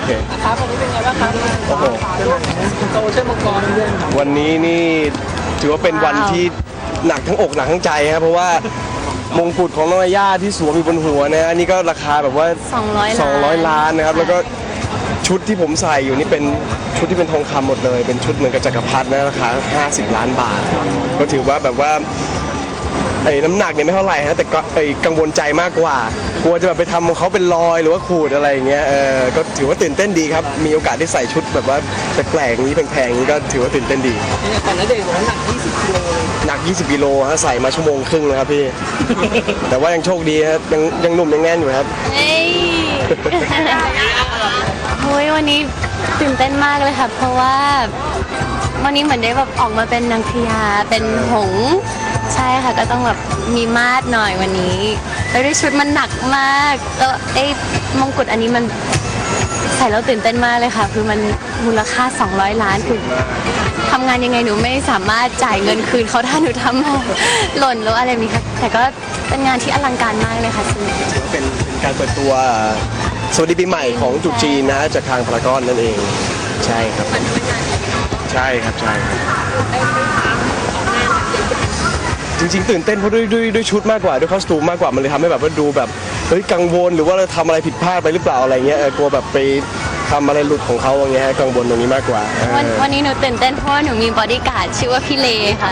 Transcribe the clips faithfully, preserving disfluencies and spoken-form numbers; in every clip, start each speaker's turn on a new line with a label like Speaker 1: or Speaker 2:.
Speaker 1: เค
Speaker 2: ครับวันนี้เป็นไงบ้างครับโอ้โหโซเชียลมังกรเรื่อง
Speaker 1: วันนี้นี่ถือว่าเป็นวันที่หนักทั้งอกหนักทั้งใจครับเพราะว่ามงกุฎของน้องย่าที่สวมอยู่บนหัวนะอันนี้ก็ราคาแบบว่า
Speaker 3: สองร้อย
Speaker 1: สองร้อยล้านนะครับแล้วก็ชุดที่ผมใส่อยู่นี่เป็นชุดที่เป็นทองคำหมดเลยเป็นชุดเหมือนกับจักรพรรดินะราคาห้าสิบล้านบาทก็ถือว่าแบบว่าไอ้น้ำหนักเนี่ยไม่เท่าไหร่ฮะแต่ก็ไอ้กังวลใจมากกว่ากลัวจะแบบไปทำของเขาเป็นรอยหรือว่าขูดอะไรอย่างเงี้ยเออก็ถือว่าตื่นเต้นดีครับมีโอกาสได้ใส่ชุดแบบว่าแปลกๆนี้แพงๆนี้ก็ถือว่าตื่นเต้นดี
Speaker 2: แต่ณเดชน์บอกว่าหนักยี่สิบกิโล
Speaker 1: หนักยี่สิบกิโลฮะใส่มาชั่วโมงครึ่งนะครับพี่ แต่ว่ายังโชคดีครับยังยังหนุ่มยังแน่นอยู่ครับ
Speaker 3: เฮ้ยโอ้ยวันนี้ตื่นเต้นมากเลยค่ะเพราะว่าวันนี้เหมือนได้แบบออกมาเป็นนางพญาเป็นหงส์ใช่ค่ะก็ต้องแบบมีมาดหน่อยวันนี้แล้วด้วยชุดมันหนักมากแล้วไอ้มงกุฎอันนี้มันใส่แล้วตื่นเต้นมากเลยค่ะคือมันมูลค่าสองร้อยล้านคือทำงานยังไงหนูไม่สามารถจ่ายเงินคืนเขาถ้าหนูทำหล่นแล้วอะไรนี้ค่ะแต่ก็เป็นงานที่อลังการมากเลยค่ะซึ่ง
Speaker 1: เป็นการเปิดตัวสวัสดีปีใหม่ของจุดจีนนะจากทางพารากอนนั่นเองใช่ครับใช่ครับใช่จริงๆตื่นเต้นเพราะด้วยด้วยด้วยชุดมากกว่าด้วยคอสตูมมากกว่ามันเลยทำให้แบบว่าดูแบบเฮ้ยกังวลหรือว่าเราทำอะไรผิดพลาดไปหรือเปล่าอะไรเงี้ยกลัวแบบไปทำอะไรหลุดของเขาอย่างเงี้ยกังวลตรงนี้มากกว่า
Speaker 3: วันวันนี้หนูตื่นเต้นเพราะว่าหนูมีบอดี้การ์ดชื่อว่าพี่เลค่ะ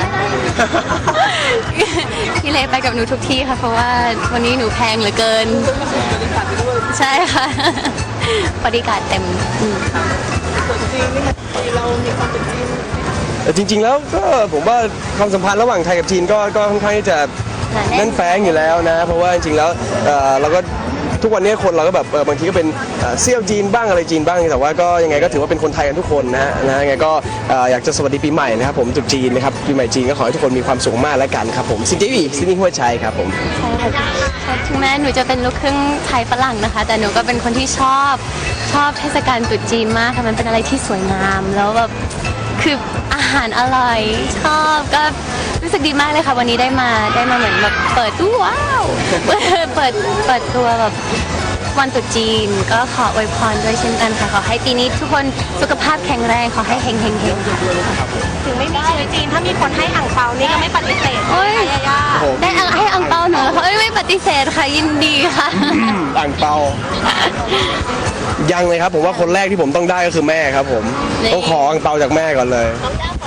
Speaker 3: พี่เลไปกับหนูทุกที่ค่ะเพราะว่าวันนี้หนูแพงเหลือเกินใช่ค่ะบอดี้การ์ดเต็ม
Speaker 2: จริงนี่มันเรามีความเป็นจริง
Speaker 1: แต่จริงๆแล้วก็ผมว่าความสัมพันธ์ระหว่างไทยกับจีนก็ก็ค่อนข้างที่จะแน่นแฟ้งอยู่แล้วนะเพราะว่าจริงๆแล้วเราก็ทุกวันนี้คนเราก็แบบบางทีก็เป็นเซี่ยวจีนบ้างอะไรจีนบ้างแต่ว่าก็ยังไงก็ถือว่าเป็นคนไทยกันทุกคนนะฮะนะยังไงก็อยากจะสวัสดีปีใหม่นะครับผมจุดจีนนะครับปีใหม่จีนก็ขอให้ทุกคนมีความสุขมากแล้วกันครับผมซินจีวีซินนี่หัวใจครับผม
Speaker 3: ใช่ค่ะถึงแม้หนูจะเป็นลูกครึ่งไทยฝรั่งนะคะแต่หนูก็เป็นคนที่ชอบชอบเทศกาลตรุษจีนมากค่ะมันเป็นอะไรที่สวยงามแล้วแบบคืออาหารอร่อยชอบก็รู้สึกดีมากเลยค่ะวันนี้ได้มาได้มาเหมือนแบบเปิดตู้ว้าวเปิดเปิดเปิดตัวแบบวันตรุษจีนก็ขออวยพรด้วยเช่นกันค่ะขอให้ปีนี้ทุกคนสุขภาพแข็งแรงขอให้เฮงเฮงเฮง
Speaker 4: ถึงไม่มีชีวิตจีนถ้ามีคนให้อ่างเปานี่ก็ไม่ปฏิเสธ
Speaker 3: โอ้ยได้ให้อ่างเปาหนูแล้วค่ะไม่ปฏิเสธค่ะยินดีค่ะ
Speaker 1: อ่างเปายังเลยครับผมว่าคนแรกที่ผมต้องได้ก็คือแม่ครับผมต้องขออ่างเปาจากแม่ก่อนเลย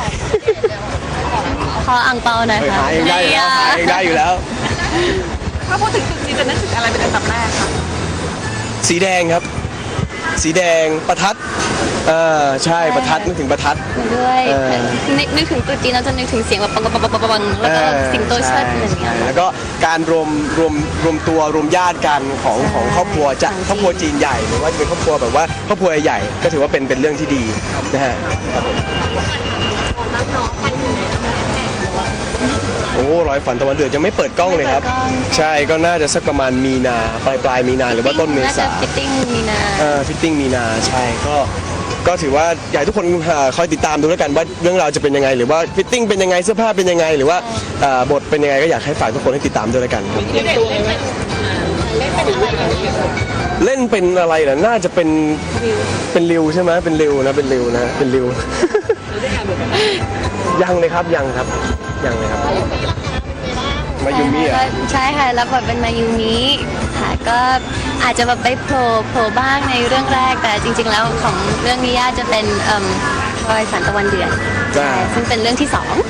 Speaker 3: ขออ่างเปาหน่อยค่ะ
Speaker 1: หาเองได้อยู่แล้วหาเองได้อยู่แล้ว
Speaker 4: ถ้าพูดถึงจุดจีนจะนึกถึงอะไรเป็นอันดับแรกคะ
Speaker 1: สีแดงครับสีแดงประทัดเออใช่ประทัดนึกถึงประทัด
Speaker 3: ด้วยนึกถึงตรุษจีนเราจะนึกถึงเสียงแบบปังปังปังปังแล้วก็สิงโตเชิดอะไรอย่างเงี้ย
Speaker 1: แล้วก็การรวมรวมรวมตัวรวมญาติกันของของครอบครัวจะครอบครัวจีนใหญ่หรือว่าจะเป็นครอบครัวแบบว่าครอบครัวใหญ่ก็ถือว่าเป็นเป็นเรื่องที่ดีนะฮะโอ้ร้อยฝันตะวันเดือดยังไม่เปิดกล้องเลยครับใช่ก็น่าจะสักประมาณมีนาปลายปลายมีนาหรือว่าต้นเมษา
Speaker 3: ฟิตติ้งมีนา
Speaker 1: เออฟิตติ้งมีนาใช่ก็ก็ถือว่าอยากให้ทุกคนคอยติดตามดูแล้วกันว่าเรื่องราวจะเป็นยังไงหรือว่าฟิตติ้งเป็นยังไงเสื้อผ้าเป็นยังไงหรือว่าบทเป็นยังไงก็อยากให้ฝากทุกคนให้ติดตามด้วยแล้วกันเล่นเป็นอะไรล่ะน่าจะเป็นเป็นริวใช่ไหมเป็นริวนะเป็นริวนะเป็นริวยังเลยครับยังครับยังเลยครับมายูมิอ่ะ
Speaker 3: ใช่ค่ะรับบทเป็นมายูมิค่ะก็อาจจะแบบไปโผล่โผล่บ้างในเรื่องแรกแต่จริงๆแล้วของเรื่องนิยายจะเป็นเอ่อรอยสันตะวันเดือดใช่ซึ่งเป็นเรื่องที่สอง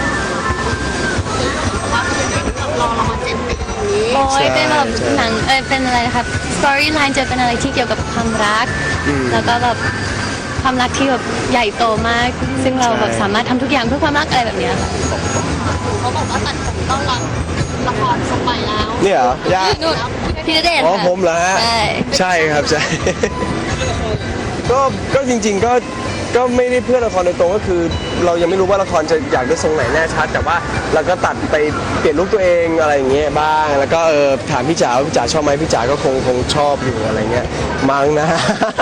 Speaker 3: โอ้ยเป็นแบบหนังเออเป็นอะไรนะครับสตอรี่ไลน์จะเป็นอะไรที่เกี่ยวกับความรักแล้วก็แบบความรักที่แบบใหญ่โตมากซึ่งเราแบบสามารถทำทุกอย่างเพื่อความรักอะไรแบบนี้ค่ะ
Speaker 4: เขาบอกว่าตัดผมต้องรับละครสมัยแล้ว
Speaker 1: เนี่ยเหรอยาก
Speaker 3: พี่ณเดชน์
Speaker 1: อ๋อผมเหรอฮะใช่ครับใช่ก็ก็จริงๆก็ก็ไม่ได้เพื่อละครโดยตรงก็คือเรายังไม่รู้ว่าละครจะอยากได้ทรงไหนแน่ชัดแต่ว่าเราก็ตัดไปเปลี่ยนลุคตัวเองอะไรอย่างเงี้ยบ้างแล้วก็เออถามพี่จ๋าพี่จ๋าชอบไหมพี่จ๋าก็คงคงชอบอยู่อะไรเงี้ยมั้งนะ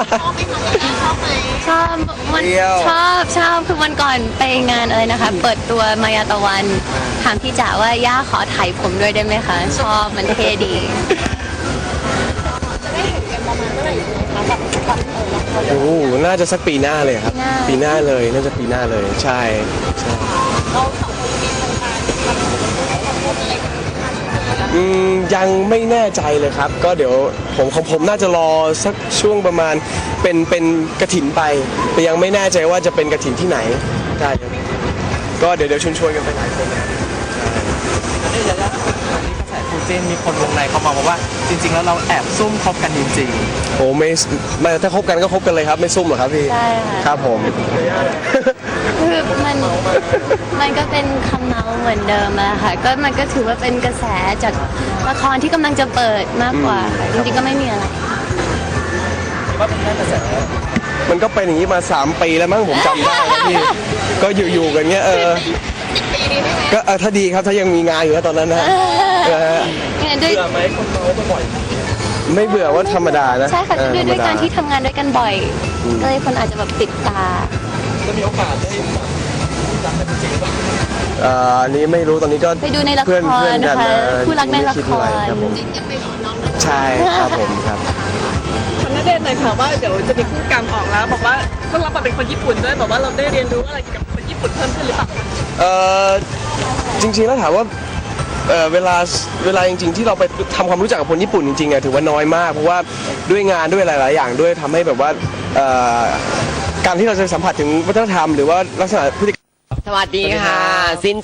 Speaker 3: ชอบวันชอบชอบคือวันก่อนไปงานอะไรนะคะเปิดตัวมายาตะวันถามพี่จ๋าว่าย่าขอถ่ายผมด้วยได้ไหมคะชอบมันเท่ดี
Speaker 4: จะได้เห็นกันประมาณเมื่อไหร่คะแบบแบบเออ
Speaker 1: โอ้โหน่าจะสักปีหน้าเลยครับ ปีหน้าเลยน่าจะปีหน้าเลยใช่ใช่
Speaker 4: เราสองคนมีทำการทำบุญอะไรกัน
Speaker 1: อืมยังไม่แน่ใจเลยครับ ก็เดี๋ยวผมของผมน่าจะรอสักช่วงประมาณเป็นเป็นกระถินไป แต่ยังไม่แน่ใจว่าจะเป็นกระถินที่ไหนใช่ครับก็เดี๋ยวเดี๋ยวชวนชวนๆกันไปหลายคนนะครับ
Speaker 2: นี่ยายาวันนี้กระแสคู่จิ้นมีคนวงในเขามาบอกว่าจริง ๆ แล้วเราแอบซุ่มคบกันจริง
Speaker 1: โอ้ไม่ไม่ถ้าคบกันก็คบกันเลยครับไม่ซุ่มหรอกครับพี่
Speaker 3: ใช่ค่ะ
Speaker 1: ครับผม
Speaker 3: คือมันมันก็เป็นคำเมาเหมือนเดิมอะค่ะก็มันก็ถือว่าเป็นกระแสจากละครที่กำลังจะเปิดมากกว่าค่ะจริงๆก็ไม่มีอะไร
Speaker 2: ๆว่าเป็นแค่กระแส
Speaker 1: มันก็เป็นอย่างนี้มาสามปีแล้วมั้งผมจำได้นะพี่ ก็อยู่ๆกันเงี้ยเออ
Speaker 4: ปีนี้ได้ไหม
Speaker 1: ก็เออถ้าดีครับถ้ายังมีงานอยู่นะตอนนั้นนะเออ
Speaker 3: เนี่ยด้วย
Speaker 2: เบื่อไหมคนเมาบ่อย
Speaker 1: ไม่เบื่อว่าธรรมดานะ
Speaker 3: ใช่ค่ะ
Speaker 1: เออ
Speaker 3: ด้วยด้วย
Speaker 1: ธมด
Speaker 3: การที่ทำงานด้วยกันบ่อย ก็เลยคนอาจจะแบบติดตา
Speaker 2: ๆจะมีโอกาสได้รักกันจริงๆหรือเปล่า
Speaker 1: เอ่ออันนี้ไม่รู้ตอนนี้ก็
Speaker 3: ไปดูในละคร
Speaker 1: เพื่อนเพื่อนกัน
Speaker 3: นะคะ
Speaker 1: เออ
Speaker 3: คู่รักในละคร
Speaker 1: ไม่ดอะไครับผม
Speaker 4: ยังไปขอน้อง
Speaker 1: ใช่ครับผมครับ
Speaker 5: คนน่าเด่นหน่อยค่ะว่าเดี๋ยวจะมีคู่กรรมออกแล้วบอกว่าต้องรับบทเป็นคนญี่ปุ่นด้วยบอกว่าเราได้เรียนรู้อะไรเกี่ยวกับคนญี่ปุ่นเพิ่มขึ้นหรือเปล่า
Speaker 1: เอ่อจริงๆแล้วถามว่าเอ่อเวลาเวลาจริงๆที่เราไปทำความรู้จักกับคนญี่ปุ่นจริงๆอะถือว่าน้อยมากเพราะว่าด้วยงานด้วยหลายๆอย่างด้วยทำให้แบบว่าเอ่อการที่เราจะสัมผัสถึงวัฒนธรรมหรือว่าลักษณะพฤติกรรม
Speaker 6: สวัสดีค่ะซิน